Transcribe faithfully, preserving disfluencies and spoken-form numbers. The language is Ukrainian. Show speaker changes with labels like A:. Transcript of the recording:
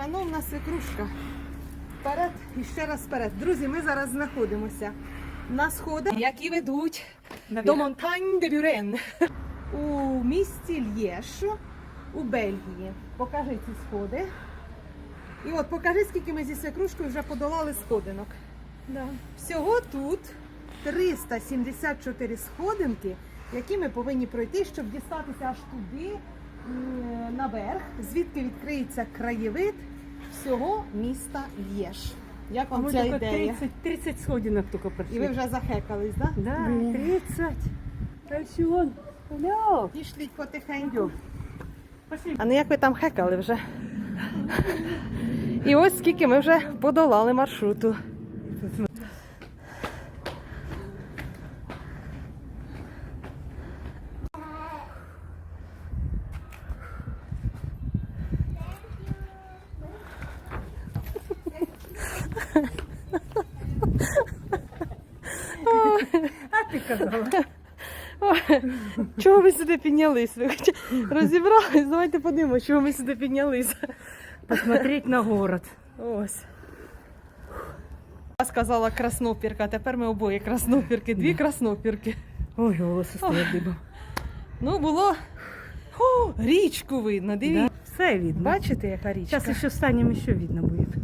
A: Шановна свекрушка, вперед і ще раз вперед. Друзі, ми зараз знаходимося на сходах, які ведуть до Монтань де Бюрен у місті Л'єш у Бельгії. Покажи ці сходи. І от покажи, скільки ми зі свекрушкою вже подолали сходинок.
B: Да.
A: Всього тут триста сімдесят чотири сходинки, які ми повинні пройти, щоб дістатися аж туди, м, наверх, звідки відкриється краєвид всього міста Л'єш. Як
B: А
A: вам
B: мы
A: ця
B: только
A: ідея?
B: тридцать, тридцать сходинок только прошли.
A: І ви вже захекались, так? Да?
B: Да, тридцать. Альсион, алло.
A: Пішліть потихеньку.
B: Пошли.
A: А не як ви там хекали вже. І ось скільки ми вже подолали маршруту.
B: А ты казала.
A: Чого ви сюди піднялись? Ви хоч розібрались? Давайте подивимося, чого ми сюди піднялися.
B: Посмотреть на город.
A: Ось. Я сказала краснопірка, тепер ми обоє краснопірки, дві краснопірки.
B: Ой, волосы стоят дыбом.
A: Ну, було О, річку видно, дивіться.
B: Да, все видно.
A: Бачите, яка річка?
B: Сейчас еще встанем, еще видно будет.